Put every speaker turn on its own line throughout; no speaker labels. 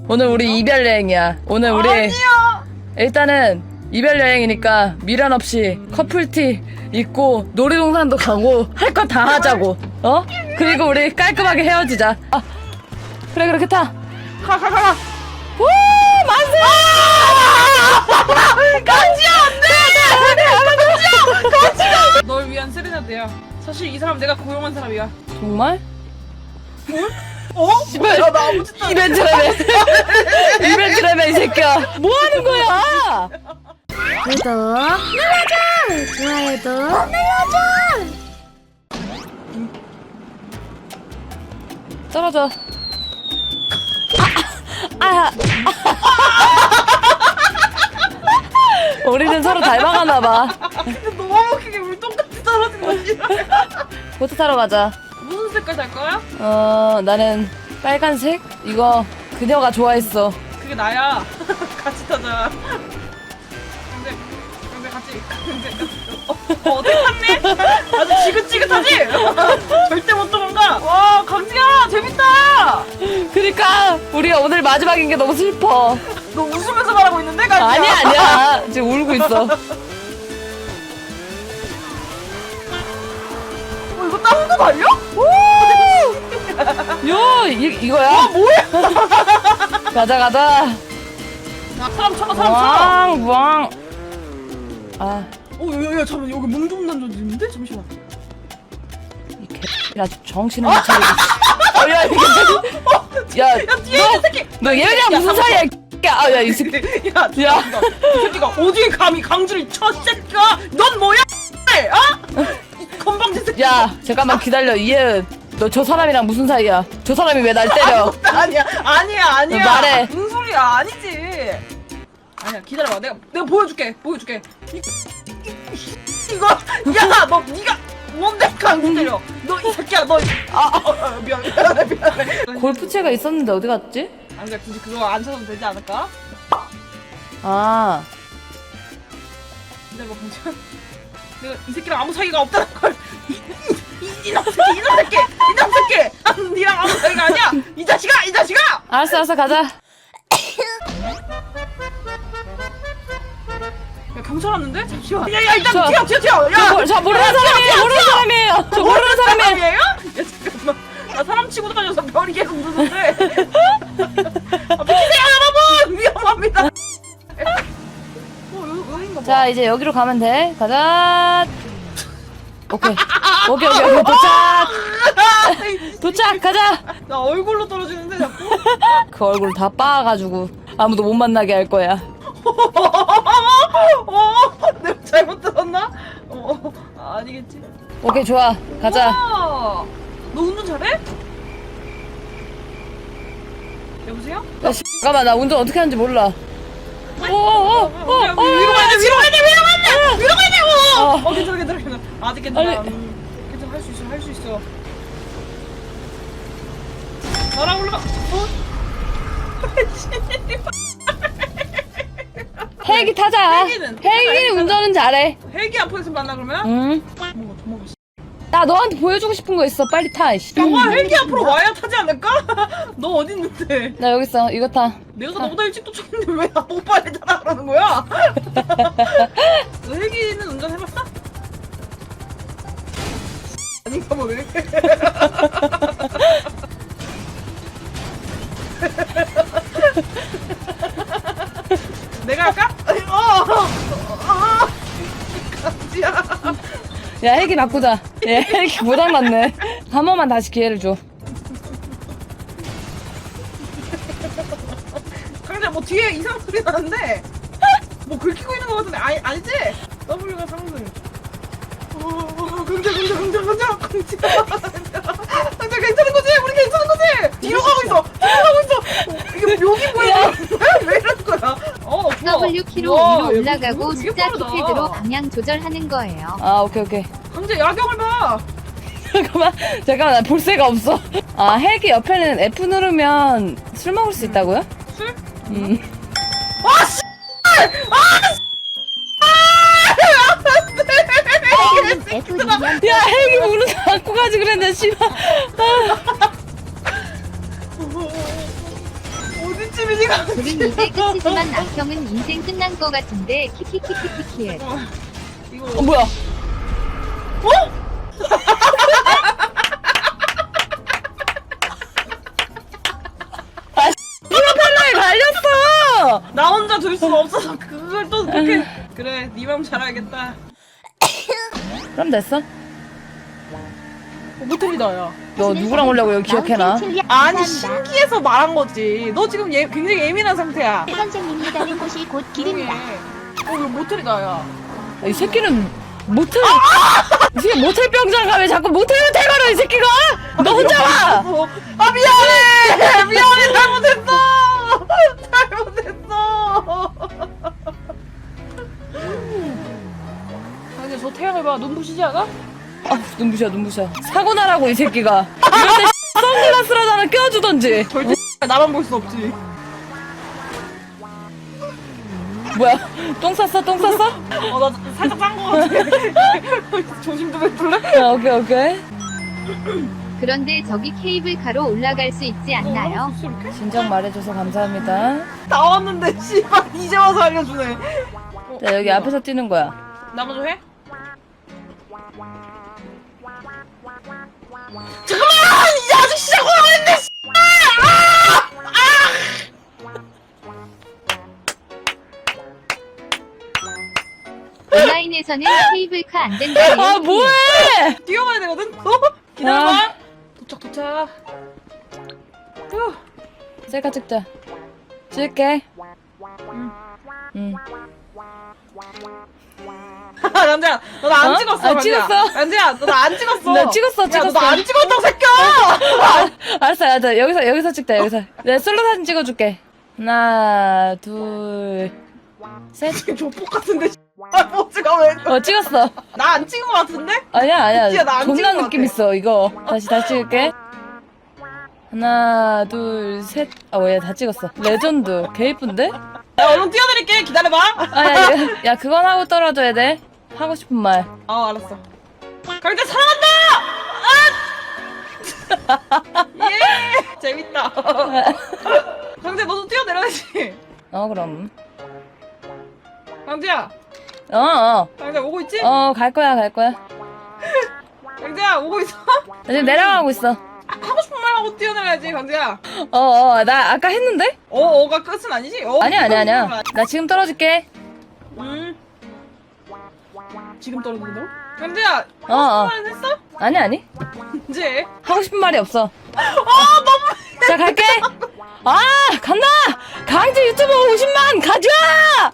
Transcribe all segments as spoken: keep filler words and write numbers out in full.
오늘 우리 이별 여행이야. 오늘 우리
아니야.
일단은 이별 여행이니까 미련 없이 커플티 입고 놀이동산도 가고 할 거 다 하자고. 어? 그리고 우리 깔끔하게 헤어지자. 아, 그래 그렇게 타.
가 가 가 가.
오 만세!
가지야 안돼. 가지야. 널 위한 세레나데야. 사실 이 사람 내가 고용한 사람이야.
정말?
어?
씨발,
야, 나 아무 짓도 안
이벤트라며. 이벤트라며 이 새끼야. 뭐 하는 거야?
구독 눌러줘! 좋아요도 눌러줘!
떨어져. 아, 아, 아. 우리는 서로 닮아가나 봐.
근데 너무 웃기게 우리 똑같이 떨어진 거지.
보트 타러 가자.
무슨 색깔 살 거야?
어, 나는 빨간색? 이거 그녀가 좋아했어.
그게 나야. 같이 타자. 근데 근데 같이 근데 어, 어 어떻게 탔니? 아주 지긋지긋하지? 절대 못 도망가. 와 강지야 재밌다.
그니까 우리가 오늘 마지막인 게 너무 슬퍼.
너 웃으면서 말하고 있는데 강지야?
아니야 아니야. 지금 울고 있어.
어 이거 땅도 달려?
요 이, 이거야?
아 뭐야?
가자 가자.
야 사람 쳐봐 사람 쳐.
왕 왕. 아,
어야야 잠깐 여기 몽좀 던져지는데 잠시만.
이 개. 야 정신을 못 차리고. 어, 야 이게. 야,
야 뒤에 있는 새끼.
너 얘랑 무슨 사이야? 야, 아, 야, 이 새끼.
야,
야.
야, 이 새끼가 어디 감히 강주를 쳐 새끼야? 넌 뭐야? 어? 이 건방진 새끼.
야, 잠깐만 기다려. 이해은. 너 저 사람이랑 무슨 사이야? 저 사람이 왜 날 때려?
아니야, 아니야, 아니야.
너 말해.
무슨 소리야? 아니지. 아니야, 기다려봐. 내가 내가 보여줄게, 보여줄게. 이, 이, 이거, 야, 너 네가 뭔데 강주 때려? 너 이 새끼야, 너. 아, 어, 어, 미안, 미안해, 미안해.
골프채가 있었는데 어디 갔지?
아, 근데 굳이 그거 안 찾아도 되지 않을까?
아,
기다려봐, 강주. 내가 이 새끼랑 아무 사이가 없다는 걸. 이, 이, 이놈 새끼, 이놈 새끼, 이놈 새끼. 아, 니랑 아무 사이가 아니야. 이 자식아, 이 자식아.
알았어, 알았어, 가자.
야, 경찰 왔는데? 잠시만. 야, 야, 일단
저-
튀어, 튀어, 튀어. 야,
저, 모- 저 모르는 사람이에요. 모르는 사람이에요. 저 모르는 사람이에요.
사람이에요? 야, 잠깐만. 나 사람 치고 다녀서 별이 계속 누는데. 아, 비키세요, 여러분! 위험합니다. 어, 여기, 여긴가 봐.
자, 이제 여기로 가면 돼. 가자. 오케이. 오케이, 오케이, 오케이. 도착. 도착, 가자.
나 얼굴로 떨어지는데, 자꾸.
그 얼굴 다 빻아가지고 아무도 못 만나게 할 거야.
어, 내가 잘못 들었나? 어, 아니겠지?
오케이, 좋아. 가자.
우와, 너 운전 잘해? 여보세요?
야, 씨, 잠깐만, 나 운전 어떻게 하는지 몰라. 오, 오, 오,
어,
오,
야, 위로 가야 돼, 위로 가야 돼, 위로 가야 돼! 위로 가야 돼! 어,
어.
어, 괜찮아, 괜찮아, 괜찮아. 아직 괜찮아.
아니.
음, 괜찮아, 할 수 있어, 할 수 있어. 날아 올라가. 어?
헬기 타자.
헬기는?
헬기 운전은 잘해.
헬기 앞에서 만나, 그러면?
응.
도망가, 도망가.
나 너한테 보여주고 싶은 거 있어. 빨리 타. 씨.
와, 헬기 앞으로 와야 타지 않을까? 너 어디 있는데?
나 여기 있어. 이거 타.
내가 너보다 일찍 도착했는데 왜 나보고 빨리 타라 그러는 거야? 너 헬기는 운전해봤어? 아닌가 뭐 왜 이렇게 내가 할까? 아니, 어, 어, 어, 강지야.
야, 헬기 바꾸자. 야, 헬기 고장났네. 한 번만 다시 기회를 줘.
강지야, 뭐 뒤에 이상한 소리 나는데 뭐 긁히고 있는 거 같은데 아니 아니지? W가 상승. 어, 어, 강지야, 강지야, 강지야, 강지야, 강지야, 강지야, 괜찮은 거지? 우리 괜찮은 거지? 뒤로 가고 있어, 뒤로 가고 있어. 어, 이게 묘기 뭐야? 왜 이러는 거야? 어, 좋아.
더블유 키로
우와,
위로
얘
올라가고
뭐 되게
숫자
빠르다.
키패드로 방향 조절하는 거예요.
아, 오케이, 오케이.
강지야, 야경을 봐.
잠깐만, 잠깐만, 나 볼 새가 없어. 아, 헬기 옆에는 F 누르면 술 먹을 수 있다고요?
술?
음.
아, 씨! 아, 씨!
F 누르면
야, 헬기 문을 닫고 가지 그랬네, 씨발. 아.
어디 뒷집이지 강지.
둘은 이제 끝이지만 악형은 인생 끝난 거 같은데 키키키키키키.
어, 이거
어 뭐야? 프로펠러에 갈렸어.
나 혼자 둘 수가 없어서 그걸 또 어떻게? 그래, 네 마음 잘 알겠다.
그럼 됐어.
어, 모텔이다 야.
너 누구랑 오려고 여기 기억해놔?
아니 신기해서 말한 거지. 너 지금 예, 굉장히 예민한 상태야.
선생님이 가는 곳이 곧 길입니다.
어, 이거 모텔이다 야.
이 새끼는 모텔 이 새끼 모텔 병장 가왜 자꾸 모텔 모텔 가려 이 새끼가. 너 혼자 와.
어, 아 미안해. 미안해 잘못했어. 잘못했어. 아니 저 태양을 봐 눈부시지 않아?
아 눈부셔 눈부셔. 사고 나라고 이 새끼가. 이럴 때 선글라스라도 하나 껴주던지.
절대 나만 볼 수 없지.
뭐야? 똥 쌌어 똥 쌌어?
어 나 살짝 짠 거 같아. 조심 좀 해줄래?
아, 오케이 오케이.
그런데 저기 케이블카로 올라갈 수 있지 않나요?
어, 이렇게?
진작 말해줘서 감사합니다.
나왔는데 씨발 이제 와서 알려주네. 어,
자 여기
뭐야?
앞에서 뛰는 거야.
나 먼저 해? 잠깐만! 이 아직 시작을 안 했는데
온라인에서는 케이블카 안 된다네요.
아 뭐해?
뛰어가야 되거든? 어? 기다려봐.
아.
도착 도착. 휴.
셀카 찍자. 찍을게.
응.
응.
남자야, 너 나 안
어?
찍었어.
아,
남자야.
찍었어.
남자야, 너 나 안 찍었어.
나 찍었어,
야,
찍었어.
너 나 안 찍었다고 새끼야.
아, 알았어, 알았어. 여기서 여기서 찍자. 여기서. 내가 솔로 사진 찍어줄게. 하나, 둘, 셋.
지금 조폭 같은데. 아, 뭐지가 왜?
어 찍었어.
나 안 찍은 거 같은데?
아니야 아니야.
진짜 나안
존나
찍은 것
느낌
같아.
있어 이거. 다시 다시 찍을게. 하나, 둘, 셋. 아, 왜 다 찍었어. 레전드. 개 이쁜데?
야, 얼른 뛰어드릴게. 기다려봐.
아, 야, 야, 야, 그건 하고 떨어져야 돼. 하고 싶은 말.
어, 알았어. 강대 사랑한다! 아! 예! 재밌다. 강대 너도 뛰어내려야지.
어, 그럼.
강재야,
어, 어.
강재 오고 있지?
어, 갈 거야, 갈 거야.
강재야 오고 있어?
나 지금 내려가고 있어.
아, 하고 싶은 말 하고 뛰어내려야지, 강재야.
어, 어, 나 아까 했는데?
어, 어가 끝은 아니지? 어,
아니야, 아니야, 아니야.
끝은
나 지금 떨어질게.
음. 지금 떨어진다고? 강재야,
어, 어.
하고 싶은 말 했어?
아니, 아니.
이제.
하고 싶은 말이 없어.
아, 너무.
자, 갈게. 아, 간다! 강제 유튜버 오십만 가져와!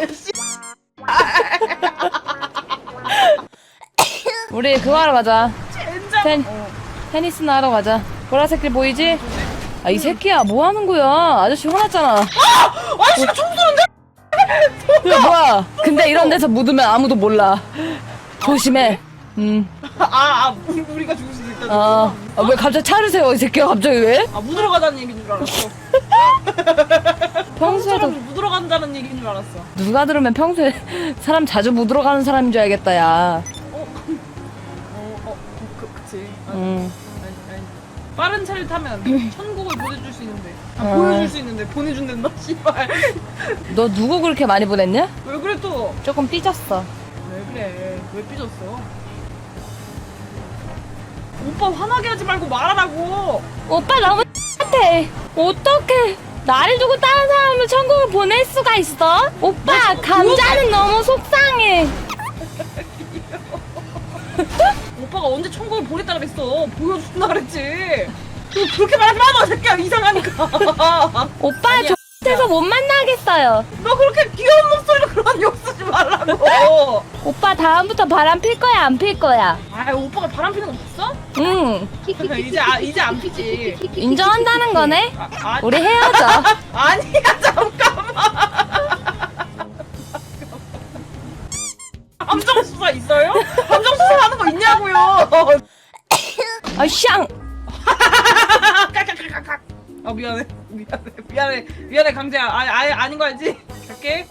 우리 그거 하러 가자.
젠장.
텐,
어.
테니스나 하러 가자. 보라색길 보이지? 아, 이 새끼야, 뭐 하는 거야? 아저씨 화났잖아.
아저씨가 총 쏘는데?
야, 뭐야? 근데 이런 데서 묻으면 아무도 몰라. 조심해. 음.
아, 아, 우리가 죽을 수도 있다.
아, 아, 왜 갑자기 차를 세워, 이 새끼야, 갑자기 왜?
아, 묻으러 가자는 얘기인 줄 알았어.
평소에도
묻으러 간다는 얘기인 줄 알았어.
누가 들으면 평소에 사람 자주 묻으러 가는 사람인 줄 알겠다, 야.
어, 어, 어, 그, 그치. 아,
음.
아니, 아니. 빠른 차를 타면 천국을 보내줄 수 있는데. 아,
어.
보여줄 수 있는데 보내준댄다, 씨발.
너 누구 그렇게 많이 보냈냐?
왜 그래 또?
조금 삐졌어.
왜 그래? 왜 삐졌어? 오빠 화나게 하지 말고 말하라고.
오빠 너무 같아. 어떡해. 나를 두고 다른 사람을 천국을 보낼 수가 있어? 오빠, 감자는 너무 속상해.
오빠가 언제 천국을 보냈다 그랬어? 보여준다 그랬지. 너 그렇게 말하지 마, 너 새끼야. 이상하니까.
오빠,
아니야.
저에서 못 만나겠어요.
너 그렇게 귀여운 목소리로 그런 욕 쓰지 말라고.
오빠, 다음부터 바람 필 거야, 안 필 거야?
아, 오빠가 바람 피는 거 봤어?
응,
이제 아, 이제 안 피지.
인정한다는 거네?
아, 아,
우리 헤어져.
아니야, 잠깐만. 함정 수사 있어요? 함정 수사 하는 거 있냐고요?
아, 샹!
깍깍깍깍깍. 아, 미안해, 미안해, 미안해, 미안해, 강재야. 아, 아예 아닌 거 알지? 갈게.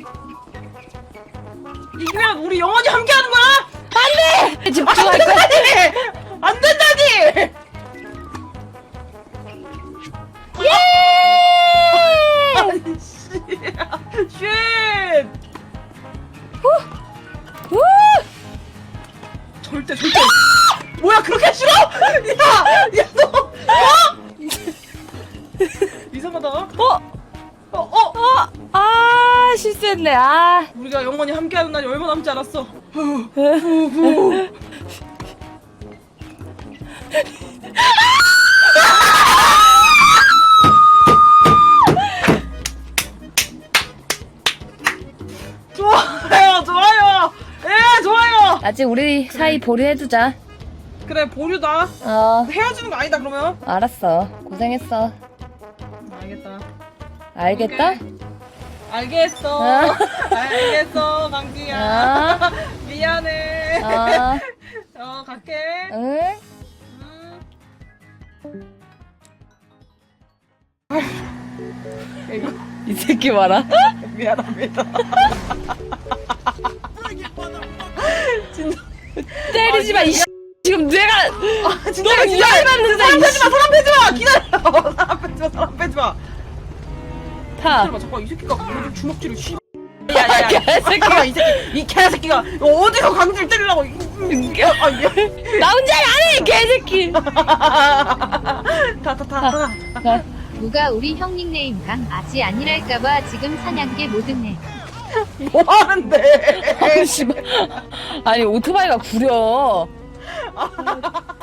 이기면 우리 영원히 함께하는 거야?
집중할 거야.
안 된다니!
예! 미치겠네. 아.
우리가 영원히 함께하는 날이 얼마 남지 않았어. 좋아요, 좋아요. 예, 좋아요.
아직 우리 사이 보류해두자.
그래, 보류다.
어,
헤어지는 거 아니다 그러면.
알았어. 고생했어.
알겠다.
알겠다?
오케이. 알겠어.
어.
알겠어, 강지야.
어.
미안해.
어,
어, 갈게.
응?
음. 이거
이 새끼 봐라.
미안합니다. 진짜.
때리지 마, 이 씨. 지금 내가
아, 진짜
너무
진짜.
열받는데,
사람
이
빼지 마, 사람 빼지 마. 기다려. 사람 빼지 마, 사람 빼지 마.
타.
기다려봐, 잠깐 이 새끼가 오늘 주먹질을 씨. 야야야,
개새끼가.
이 새끼, 이 개새끼가 어디서 강지를 때리려고? 이- 이- 아, 미안.
나 혼자 안해, 개새끼.
타타타.
가.
누가 우리 형 닉네임 강 아지 아니랄까봐 지금 사냥개 못 듣네.
뭐 하는데?
아니, 씨발. 아니, 오토바이가 구려.